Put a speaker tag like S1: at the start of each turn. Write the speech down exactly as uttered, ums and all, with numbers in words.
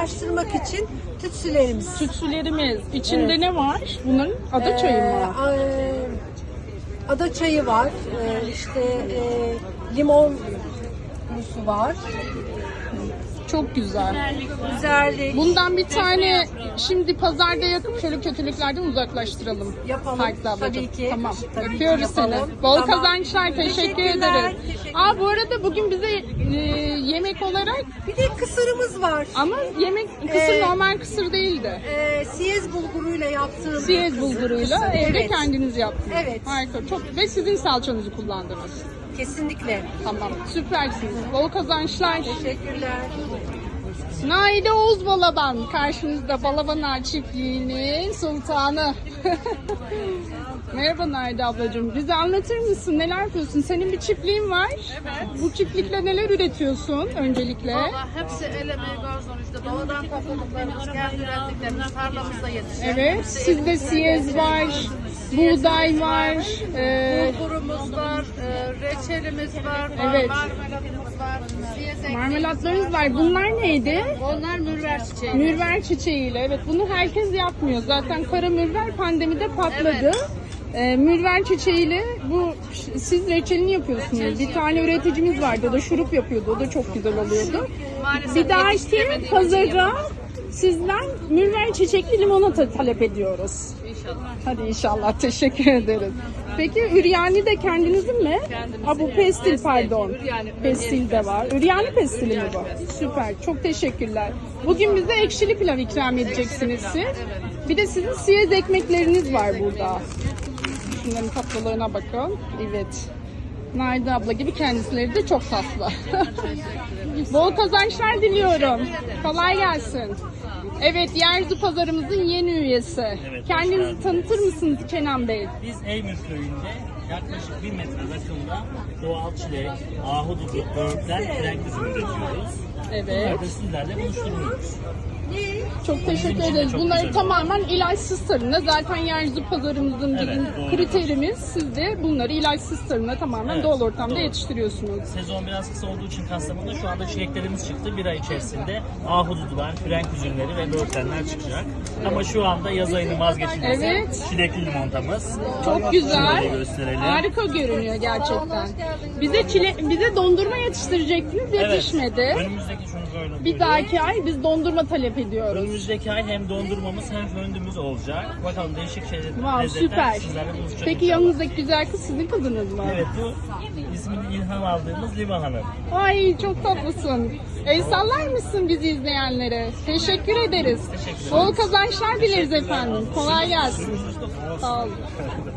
S1: ulaştırmak için tütsülerimiz.
S2: Tütsülerimiz. İçinde
S1: Evet.
S2: ne var? Bunun ada çayı mı?
S1: Ee, e, ada çayı var. Ee, işte e, limon musu var.
S2: Çok güzel.
S1: Güzellik.
S2: Bundan bir tane şimdi pazarda yakıp şöyle kötülüklerden uzaklaştıralım.
S1: Yapalım.
S2: Hayklı ablacığım.
S1: Tabii ki.
S2: Tamam.
S1: Tabii ki
S2: Öpüyoruz seni.
S1: yapalım.
S2: Bol
S1: Tamam.
S2: kazançlar. Teşekkür
S1: Teşekkürler,
S2: ederiz.
S1: teşekkürler.
S2: Aa bu arada bugün bize e, yemek olarak
S1: Bir de kısırımız var.
S2: ama yemek kısır
S1: Ee,
S2: normal kısır değildi.
S1: Ee, siyez bulguruyla yaptığım
S2: Siyez
S1: kısır-
S2: bulguruyla
S1: kısır.
S2: evde
S1: Evet.
S2: kendiniz yaptınız.
S1: Evet.
S2: Harika. Çok ve sizin salçanızı kullandınız.
S1: Kesinlikle.
S2: Tamam. Süpersiniz. Bol kazançlar.
S1: Teşekkürler.
S2: Naide Oğuz Balaban karşınızda, Balabanar çiftliğinin sultanı. Merhaba Naide ablacığım. Bize anlatır mısın? Neler yapıyorsun? Senin bir çiftliğin var.
S3: Evet.
S2: Bu çiftlikle neler üretiyorsun öncelikle?
S3: Valla hepsi el emeği garzon işte doğadan topladıklarımız, kendi ürettiklerimiz tarlamızda yetişiyor.
S2: Evet. Sizde siyez var, buğday var. E,
S3: Bulgurumuz var, e, reçelimiz var,
S2: Evet.
S3: marmelatımız var, siyez ekmeğimiz
S2: marmelatlarınız var. Bunlar neydi?
S3: Onlar mürver çiçeği.
S2: Mürver çiçeğiyle. Evet, bunu herkes yapmıyor. Zaten kara mürver pandemide patladı.
S3: Evet.
S2: Ee, mürver çiçeğiyle bu siz reçelini yapıyorsunuz. Bir tane üreticimiz vardı. O da şurup yapıyordu. O da çok güzel oluyordu.
S3: Maalesef
S2: Bir dahaki
S3: yetiştiremediğimiz için
S2: pazara
S3: yapamadık.
S2: sizden mürver çiçekli limonata talep ediyoruz.
S3: İnşallah.
S2: Hadi inşallah. Teşekkür ederiz. Peki üryani de kendinizin mi?
S3: Kendimizin,
S2: Aa, bu
S3: evet.
S2: pestil
S3: Pestil,
S2: pardon.
S3: üryani,
S2: Pestil de var. Üryani pestili mi
S3: Üryani
S2: bu?
S3: pestil.
S2: Süper. Çok teşekkürler. Bugün bize ekşili pilav ikram edeceksiniz siz. Bir de sizin siyez ekmekleriniz var burada. Şunların tatlılarına bakın. Evet. Naide abla gibi kendisileri de çok tatlı. Bol kazançlar diliyorum. Kolay gelsin. Evet, Yerzu Pazarımızın yeni üyesi.
S4: Evet, hoş
S2: Kendinizi
S4: geldiniz.
S2: tanıtır mısınız Kenan Bey?
S4: Biz Eymür köyünde yaklaşık bir metre rakımda doğal çilek, ahududu, böğürtlen, frenk üzümü üretiyoruz.
S2: Evet.
S4: Bunları da sizlerle buluşturuyoruz.
S2: Çok teşekkür
S4: için de
S2: ederiz.
S4: çok
S2: Bunları
S4: güzel.
S2: tamamen ilaçsız tarımda. Zaten Yerzu Pazarımızın
S4: Evet,
S2: bizim
S4: doğru.
S2: kriterimiz. Siz de bunları ilaçsız tarımda tamamen
S4: Evet,
S2: doğal ortamda
S4: doğru.
S2: yetiştiriyorsunuz.
S4: Sezon biraz kısa olduğu için Kastamonu'da şu anda çileklerimiz çıktı. Bir ay içerisinde ahududular, frenk üzümleri ve böğürtlenler çıkacak. Ama şu anda yaz ayının vazgeçilmezi
S2: Evet.
S4: çilekli limontamız.
S2: Çok güzel.
S4: Şöyle gösterelim.
S2: Harika görünüyor gerçekten. Bize çile, bize dondurma yetiştirecektiniz,
S4: Evet.
S2: yetişmedi.
S4: Önümüzdeki şunu böyle
S2: Bir
S4: buyurun.
S2: dahaki ay biz dondurma talep ediyoruz.
S4: Önümüzdeki ay hem dondurmamız hem föndümüz olacak. Bakalım değişik şeyler,
S2: Wow,
S4: lezzetler
S2: süper.
S4: sizlerle buluşacak
S2: Peki
S4: inşallah.
S2: yanınızdaki güzel kız sizin kızınız mı?
S4: Evet, bu ismini ilham aldığımız Liva Hanım.
S2: Ay çok tatlısın. El sallar mısın bizi izleyenlere? Teşekkür ederiz.
S4: Teşekkür ederiz.
S2: Bol kazançlar dileriz efendim. Kolay gelsin. Sağ olun.